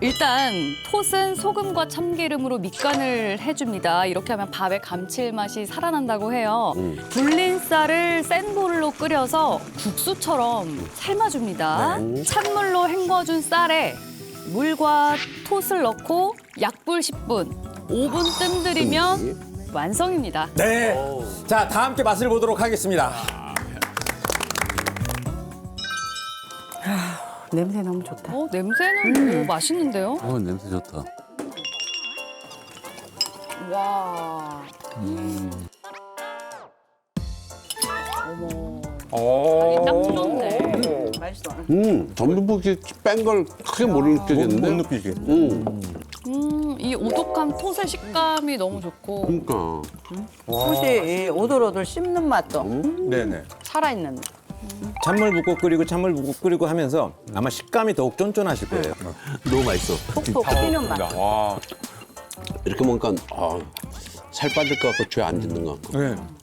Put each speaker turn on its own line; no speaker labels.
일단 톳은 소금과 참기름으로 밑간을 해줍니다. 이렇게 하면 밥의 감칠맛이 살아난다고 해요. 불린 쌀을 센 불로 끓여서 국수처럼 삶아줍니다. 찬물로 헹궈준 쌀에 물과 톳을 넣고 약불 10분, 5분 뜸들이면 완성입니다.
네. 자, 다 함께 맛을 보도록 하겠습니다.
냄새 너무 좋다.
냄새는 맛있는데요?
냄새 좋다.
와.
오.
딱 좋네.
맛있어.
전분묵이 뺀 걸 크게 못 느끼겠는데?
못 느끼게.
이 오독한 톳의 식감이 너무 좋고
그러니까.
솥이 오돌오돌 씹는 맛도
네네.
살아있는.
찬물 붓고 끓이고 찬물 붓고 끓이고 하면서 아마 식감이 더욱 쫀쫀하실 거예요.
너무 맛있어.
톡톡 튀는 맛.
와.
이렇게 먹으니까 살 빠질 것 같고 죄 안 짓는 것 같고.
네.